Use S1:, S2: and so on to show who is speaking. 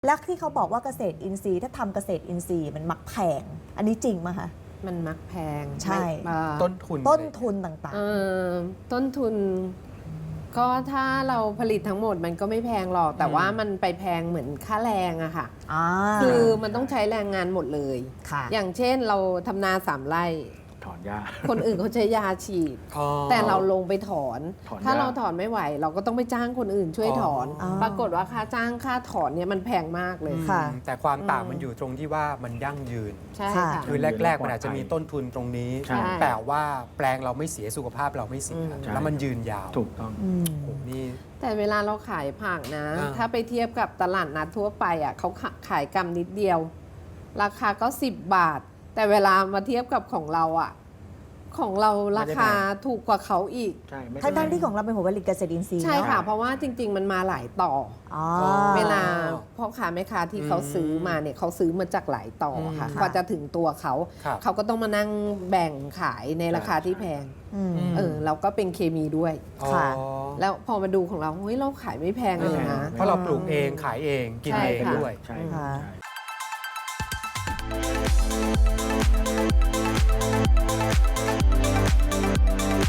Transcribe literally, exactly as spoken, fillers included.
S1: แล้วที่เขาบอกว่าเกษตรอินทรีย์ถ้าทำเกษตรอินทรีย์มันมักแพงอันนี้จริงไหมคะ
S2: มันมักแพง
S1: ใช่
S3: ต้นทุน
S1: ต้นทุนต่าง
S2: เออต้นทุน ก็ถ้าเราผลิตทั้งหมดมันก็ไม่แพงหรอก แต่ว่ามันไปแพงเหมือนค่าแรงอะค่ะ
S1: ๆอ่า
S2: คือมันต้องใช้แรงงานหมดเลย
S1: ค่ะ
S2: อย่างเช่นเราทำนาสามไร่
S3: ถอนหญ้า
S2: คนอื่นเขาใช้ยาฉีด
S3: อ๋อ
S2: แต่เราลงไปถอน
S3: ถอน
S2: ถ้า
S3: หญ้า
S2: เราถอนไม่ไหว เราก็ต้องไปจ้างคนอื่นช่วยถอน
S1: อ๋อ
S2: ปรากฏว่าค่าจ้างค่าถอนเนี่ยมันแพงมากเลย
S1: ค่ะ
S4: อืมแต่ความต่าง
S2: อืม
S4: มันอยู่ตรงที่ว่ามันยั่งยืน
S2: ใช่
S1: ค่ะ
S2: ค่ะ
S4: คือแรก ๆ มันอาจจะมีต้นทุนตรงนี้
S3: ใช่
S4: แต่ว่าแปลงเราไม่เสียสุขภาพเราไม่เสีย
S2: อืม
S4: แล้วมันยืนยาว
S3: ถูกต้อง
S1: อืม
S4: โอ้โหนี่
S2: แต่เวลาเราขายผักนะ
S4: อ่า
S2: ถ้าไปเทียบกับตลาดนัดทั่วไปอ่ะเขาขาขายกำนิดเดียว ราคาก็สิบบาท แต่เวลามาเทียบกับของเราอ่ะ ของเราราคาถูกกว่าเขาอีก
S3: ใช่ไม่
S1: ทั้ง
S3: ใช่
S1: ทั้งที่ของเราเป็นผลผลิตเกษตรอินทรีย์
S2: ใช่ค่ะ
S1: เนาะ
S2: เพราะว่าจริง ๆ มันมาหลายต่อ
S1: อ๋อ
S2: เวลาพ่อค้าแม่ค้าที่เขาซื้อมาเนี่ยเขาซื้อมาจากหลายต่อค่ะ
S1: อืม
S2: กว่าจะถึงตัวเขา
S4: ครับ
S2: เขาก็ต้องมานั่งแบ่งขายในราคาที่แพง
S1: อืม
S2: เออเราก็เป็นเคมีด้วย
S1: ค่ะ
S4: อ๋อ
S2: แล้วพอมาดูของเราเฮ้ยเราขายไม่แพงเลยนะ
S4: เพราะเราปลูกเองขายเองกิน
S2: ใช่
S4: เอง
S2: ค่ะ
S4: ด้วย
S3: ใช่
S1: ค่ะ
S3: ใช่